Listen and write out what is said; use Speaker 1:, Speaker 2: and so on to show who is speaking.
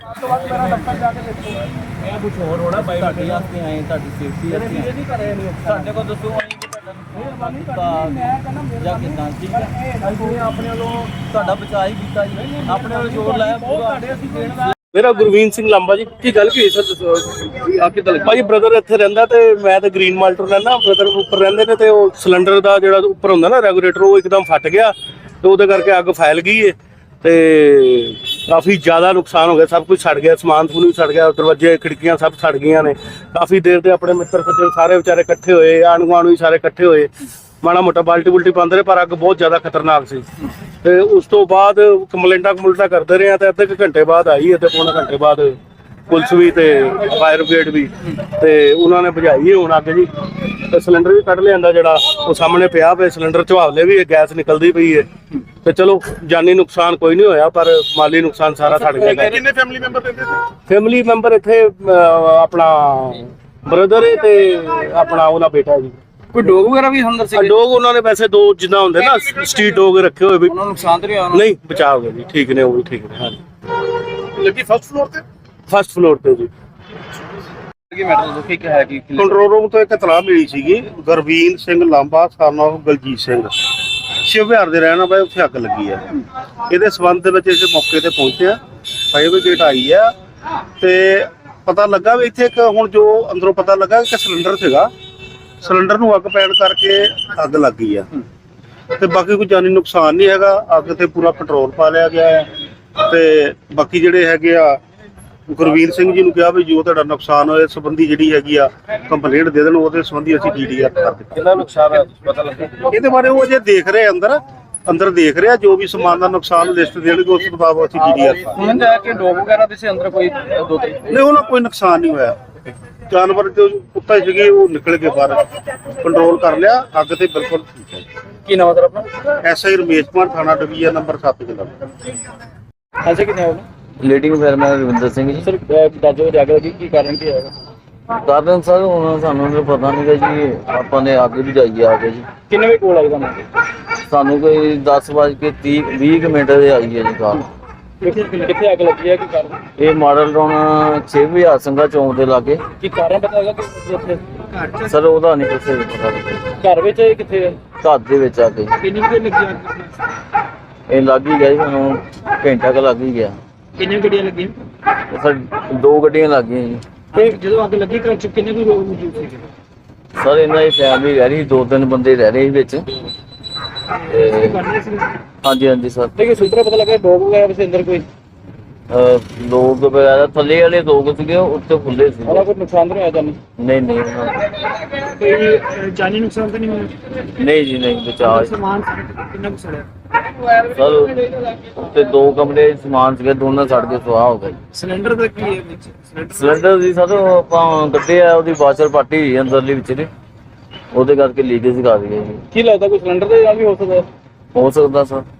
Speaker 1: ਤੋਂ ਬਾਅਦ ਮੇਰਾ ਦਫ਼ਤਰ ਜਾ ਕੇ ਦੇਖੋ। ਇਹ ਕੁਝ ਹੋਰ ਹੋਣਾ ਬਾਈ ਤੁਹਾਡੇ ਵਾਸਤੇ ਆਏ, ਤੁਹਾਡੀ ਸੇਫਟੀ ਵਾਸਤੇ ਆਏ। ਨਹੀਂ ਕਰੇ ਨਹੀਂ ਸਾਡੇ ਕੋਲ ਦੱਸੋ ਆਈ ਕਿ ਤੁਹਾਡਾ ਮਿਹਰਬਾਨੀ ਕਰਨੀ, ਮੈਂ ਕਹਿੰਦਾ ਮਿਹਰਬਾਨੀ ਕਿਦਾਂ ਠੀਕ ਹੈ। ਅਸੀਂ ਆਪਣੇ ਵੱਲੋਂ ਤੁਹਾਡਾ ਬਚਾਅ ਹੀ ਕੀਤਾ ਜੀ, ਆਪਣੇ ਵੱਲੋਂ ਜ਼ੋਰ ਲਾਇਆ ਪੂਰਾ ਤੁਹਾਡੇ ਅਸੀਂ ਦੇਣ ਦਾ।
Speaker 2: ਮੇਰਾ ਗੁਰਵੀਨ ਸਿੰਘ ਲਾਂਬਾ ਜੀ। ਕੀ ਗੱਲ ਕੀ ਸਰ ਦੱਸੋ ਆ ਕਿੱਦਾਂ ਲੱਗਾ? ਭਾਜੀ ਬ੍ਰਦਰ ਇੱਥੇ ਰਹਿੰਦਾ ਤੇ ਮੈਂ ਤੇ ਗ੍ਰੀਨ ਮਾਲਟਰ ਰਹਿੰਦਾ, ਬ੍ਰਦਰ ਉੱਪਰ ਰਹਿੰਦੇ ਨੇ ਤੇ ਉਹ ਸਿਲੰਡਰ ਦਾ ਜਿਹੜਾ ਉੱਪਰ ਹੁੰਦਾ ਨਾ ਰੈਗੂਲੇਟਰ ਉਹ ਇੱਕਦਮ ਫਟ ਗਿਆ ਤੇ ਉਹਦੇ ਕਰਕੇ ਅੱਗ ਫੈਲ ਗਈ ਏ ਤੇ ਕਾਫੀ ਜ਼ਿਆਦਾ ਨੁਕਸਾਨ ਹੋ ਗਿਆ, ਸਭ ਕੁਝ ਸੜ ਗਿਆ, ਸਮਾਨ ਸਮੂਨ ਵੀ ਸੜ ਗਿਆ, ਦਰਵਾਜ਼ੇ ਖਿੜਕੀਆਂ ਸਭ ਸੜ ਗਈਆਂ ਨੇ। ਕਾਫੀ ਦੇਰ ਤੇ ਆਪਣੇ ਮਿੱਤਰ ਸੱਜਣ ਸਾਰੇ ਵਿਚਾਰੇ ਇਕੱਠੇ ਹੋਏ, ਆਂਢ ਗੁਆਂਢ ਵੀ ਸਾਰੇ ਇਕੱਠੇ ਹੋਏ, ਮਾੜਾ ਮੋਟਾ ਬਾਲਟੀ ਬੁਲਟੀ ਪਾਉਂਦੇ ਰਹੇ ਪਰ ਅੱਗ ਬਹੁਤ ਜ਼ਿਆਦਾ ਖਤਰਨਾਕ ਸੀ। ਤੇ ਉਸ ਤੋਂ ਬਾਅਦ ਕੰਪਲੇਂਟਾਂ ਕਰਦੇ ਰਹੇ ਤੇ ਅੱਧੇ ਕੁ ਘੰਟੇ ਬਾਅਦ ਆਈ ਅਤੇ ਪੌਣੇ ਘੰਟੇ ਬਾਅਦ ਪੁਲਿਸ ਵੀ ਤੇ ਫਾਇਰ ਬ੍ਰਿਗੇਡ ਵੀ ਤੇ ਉਹਨਾਂ ਨੇ ਬੁਝਾਈ ਹੁਣ ਅੱਗ ਜੀ। ਤੇ ਸਿਲੰਡਰ ਵੀ ਕੱਢ ਲਿਆਂਦਾ ਜਿਹੜਾ ਉਹ ਸਾਹਮਣੇ ਪਿਆ ਪਿਆ ਸਿਲੰਡਰ ਝਵਾਲੇ ਵੀ ਗੈਸ ਨਿਕਲਦੀ ਪਈ ਹੈ ਤੇ ਚਲੋ ਜਾਨੀ ਨੁਕਸਾਨ ਕੋਈ ਨਹੀਂ ਹੋਇਆ ਪਰ ਮਾਲੀ ਨੁਕਸਾਨ ਸਾਰਾ ਸੜ ਗਿਆ।
Speaker 1: ਕਿੰਨੇ ਫੈਮਿਲੀ ਮੈਂਬਰ ਰਹਿੰਦੇ ਸੀ?
Speaker 2: ਫੈਮਿਲੀ ਮੈਂਬਰ ਇੱਥੇ ਆਪਣਾ ਬ੍ਰਦਰ ਤੇ ਆਪਣਾ ਉਹਦਾ ਬੇਟਾ ਜੀ।
Speaker 1: ਕੋਈ ਡੋਗ ਵਗੈਰਾ ਵੀ ਅੰਦਰ ਸੀ?
Speaker 2: ਡੋਗ ਉਹਨਾਂ ਨੇ ਵੈਸੇ ਦੋ ਜਿੱਦਾਂ ਹੁੰਦੇ ਨਾ ਸਟਰੀਟ ਡੋਗ ਰੱਖੇ ਹੋਏ ਵੀ,
Speaker 1: ਉਹਨਾਂ ਨੂੰ ਨੁਕਸਾਨ ਤਾਂ ਨਹੀਂ ਹੋਇਆ?
Speaker 2: ਨਹੀਂ ਬਚਾਅ ਹੋ ਗਿਆ ਜੀ, ਠੀਕ ਨੇ ਉਹ ਵੀ ਠੀਕ ਨੇ। ਹਾਂਜੀ
Speaker 1: ਲੱਗੀ ਫਸਟ ਫਲੋਰ ਤੇ?
Speaker 2: ਫਸਟ ਫਲੋਰ ਤੇ ਜੀ।
Speaker 1: ਕੀ ਮੈਟਰ ਦੱਸੋ ਕੀ ਹੈ ਕੀ?
Speaker 3: ਕੰਟਰੋਲ ਰੂਮ ਤੋਂ ਇੱਕ ਇਤਲਾਹ ਮਿਲੀ ਸੀਗੀ ਗੁਰਵੀਨ ਸਿੰਘ ਲਾਂਬਾ son of ਬਲਜੀਤ ਸਿੰਘ ਸ਼ਿਵ ਵਿਹਾਰ ਦੇ ਰਹਿਣ ਵਾਲੇ ਉੱਥੇ ਅੱਗ ਲੱਗੀ ਆ। ਇਹਦੇ ਸਬੰਧ ਦੇ ਵਿੱਚ ਅਸੀਂ ਮੌਕੇ ਤੇ ਪਹੁੰਚੇ ਆ, ਫਾਇਰ ਬ੍ਰਿਗੇਡ ਆਈ ਆ ਤੇ ਪਤਾ ਲੱਗਾ ਵੀ ਇੱਥੇ ਇੱਕ ਹੁਣ ਜੋ ਅੰਦਰੋਂ ਪਤਾ ਲੱਗਾ ਕਿ ਸਿਲੰਡਰ ਸੀਗਾ, ਸਿਲੰਡਰ ਨੂੰ ਅੱਗ ਪੈਣ ਕਰਕੇ ਅੱਗ ਲੱਗ ਗਈ ਆ ਤੇ ਬਾਕੀ ਕੋਈ ਜਾਨੀ ਨੁਕਸਾਨ ਨਹੀਂ ਹੈਗਾ। ਅੱਗ ਤੇ ਪੂਰਾ ਕੰਟਰੋਲ ਪਾ ਲਿਆ ਗਿਆ ਹੈ ਤੇ ਬਾਕੀ ਜਿਹੜੇ ਹੈਗੇ ਆ ਗੁਰਵੀਰ ਸਿੰਘ ਜੀ ਨੂੰ ਕਿਹਾ ਵੀ ਜੋ ਤੁਹਾਡਾ ਨੁਕਸਾਨ ਹੋਇਆ ਸੰਬੰਧੀ ਜਿਹੜੀ ਹੈਗੀ ਆ ਕੰਪਲੇਂਟ ਦੇ ਦੇਣ, ਉਹਦੇ ਸੰਬੰਧੀ ਅਸੀਂ DDR ਕਰ ਦਿੱਤੀ।
Speaker 1: ਕਿੰਨਾ ਨੁਕਸਾਨ ਹੈ ਪਤਾ ਲੱਗਾ?
Speaker 3: ਇਹਦੇ ਬਾਰੇ ਉਹ ਅਜੇ ਦੇਖ ਰਹੇ ਅੰਦਰ ਦੇਖ ਰਿਹਾ, ਜੋ ਵੀ ਸਮਾਨ ਦਾ ਨੁਕਸਾਨ ਲਿਸਟ ਦੇਣਗੇ ਉਸ ਮੁਤਾਬਕ ਅਸੀਂ DDR
Speaker 1: ਉਹਨਾਂ ਦਾ ਕਿ ਡੋਗ ਵਗੈਰਾ ਦੇ ਸੀ ਅੰਦਰ ਕੋਈ ਦੋ ਤਿੰਨ?
Speaker 3: ਨਹੀਂ ਉਹਨਾਂ ਕੋਈ ਨੁਕਸਾਨ ਨਹੀਂ ਹੋਇਆ। ਜਾਨਵਰ ਜੋ ਕੁੱਤਾ ਸੀਗੇ ਉਹ ਨਿਕਲ ਕੇ ਬਾਹਰ ਕੰਟਰੋਲ ਕਰ ਲਿਆ। ਅੱਗ ਤੇ ਬਿਲਕੁਲ ਠੀਕ ਹੈ।
Speaker 1: ਕੀ ਨਾਮ ਹੈ ਆਪਣਾ?
Speaker 3: SI ਰਮੇਸ਼ ਕੁਮਾਰ, ਥਾਣਾ ਡਿਵੀਜ਼ਨ ਨੰਬਰ 7 ਜਲੰਧਰ।
Speaker 1: ਐਸੇ ਕਿੰਨੇ ਹੋ?
Speaker 4: ਲੀਡਿੰਗ ਫਾਇਰਮੈਨ ਰਵਿੰਦਰ ਸਿੰਘ ਜੀ।
Speaker 1: ਸਰ ਦਾਜੋ ਅੱਗ ਲੱਗੀ ਕੀ ਕਾਰਨ ਕੀ ਹੈਗਾ?
Speaker 4: ਕਾਰਨ ਸਰ ਹੁਣ ਸਾਨੂੰ ਤਾਂ ਪਤਾ ਨਹੀਂ ਜੀ, ਆਪਾਂ ਨੇ ਅੱਗ ਬੁਝਾਈ ਆ ਕੇ ਜੀ।
Speaker 1: ਕਿੰਨੇ ਵਜੇ ਕੋਲ ਆਈ ਤੁਹਾਨੂੰ?
Speaker 4: ਸਾਨੂੰ ਕੋਈ 10:20 ਮਿੰਟ ਦੇ ਆਈ ਹੈ ਜੀ ਕਾਲ।
Speaker 1: ਕਿੱਥੇ ਅੱਗ ਲੱਗੀ ਹੈ ਕੀ ਕਾਰਨ?
Speaker 4: ਇਹ ਮਾਡਲ ਟਾਊਨ 6000 ਸਿੰਘਾ ਚੌਂਕ ਦੇ ਲਾਗੇ।
Speaker 1: ਕੀ ਕਾਰਨ ਪਤਾ ਹੈਗਾ ਕਿ ਉੱਥੇ
Speaker 4: ਸਰ ਉਹਦਾ ਨਹੀਂ ਕੁਛ ਪਤਾ ਲੱਗਾ।
Speaker 1: ਘਰ ਵਿੱਚ ਹੈ ਕਿੱਥੇ ਹੈ?
Speaker 4: ਘਰ ਦੇ ਵਿੱਚ ਆ ਕੇ
Speaker 1: ਕਿੰਨੀ ਕੁ ਦੇਰ ਲੱਗੀ ਅੱਗ?
Speaker 4: ਇਹ ਲੱਗ ਹੀ ਗਿਆ ਜੀ, ਮੈਨੂੰ ਘੰਟਾ ਕੁ ਲੱਗ ਹੀ ਗਿਆ।
Speaker 1: ਕਿੰਨੀਆਂ ਗੱਡੀਆਂ ਲੱਗੀਆਂ?
Speaker 4: ਇਹ ਸਰ 2 ਗੱਡੀਆਂ ਲੱਗ ਗਈਆਂ ਜੀ।
Speaker 1: ਤੇ ਜਦੋਂ ਅੱਗ ਲੱਗੀ ਘਰ ਚ ਕਿੰਨੇ ਕੁ ਲੋਕ ਮੌਜੂਦ ਸੀਗੇ?
Speaker 4: ਸਰ ਇਹਨਾਂ ਦੀ ਫੈਮਿਲੀ ਰਹਿ ਰਹੀ, 2-3 ਬੰਦੇ ਰਹਿ ਰਹੇ ਸੀ ਵਿੱਚ। ਹਾਂਜੀ ਹਾਂਜੀ ਸਰ।
Speaker 1: ਲੇਕਿਨ ਸੂਤਰ ਪਤਾ ਲੱਗਾ ਡੋਗ ਵਗੈਰਾ ਵਿੱਚ ਅੰਦਰ ਕੋਈ
Speaker 4: ਲੋਕ ਵਗੈਰਾ ਥੱਲੇ ਵਾਲੇ ਲੋਕ ਸੀਗੇ ਉੱਤੇ ਖੁੱਲੇ ਸੀ।
Speaker 1: ਉਹਦਾ ਕੋਈ ਨੁਕਸਾਨ ਤਾਂ ਨਹੀਂ ਹੋਇਆ ਤੁਹਾਨੂੰ?
Speaker 4: ਨਹੀਂ ਨਹੀਂ
Speaker 1: ਕੋਈ ਜਾਨੀ ਨੁਕਸਾਨ ਤਾਂ ਨਹੀਂ ਹੋਇਆ?
Speaker 4: ਨਹੀਂ ਜੀ ਨਹੀਂ, ਬਚਾਅ
Speaker 1: ਸਮਾਨ ਕਿੰਨਾ ਕੁ ਸੜਿਆ?
Speaker 4: ਸਰ ਉੱਤੇ 2 ਕਮਰੇ ਸਮਾਨ ਸੀਗੇ, ਦੋਨਾਂ ਸੜ ਕੇ ਸੁਆਹ ਹੋ ਗਏ।
Speaker 1: ਸਿਲੰਡਰ ਦਾ ਕੀ ਹੈ ਵਿੱਚ?
Speaker 4: ਸਿਲੰਡਰ ਦੀ ਸਰ ਆਪਾਂ ਕੱਢਿਆ, ਉਹਦੀ ਵਾਸ਼ਰ ਪਾਟੀ ਹੋਈ ਅੰਦਰਲੀ ਵਿੱਚ ਨੇ, ਉਹਦੇ ਕਰਕੇ ਲੀਕੇਜ ਕਰ ਰਹੀ ਹੈ ਜੀ।
Speaker 1: ਕੀ ਲੱਗਦਾ ਕੋਈ ਸਿਲੰਡਰ ਦੇ ਨਾਲ ਵੀ ਹੋ ਸਕਦਾ?
Speaker 4: ਹੋ ਸਕਦਾ ਸਰ।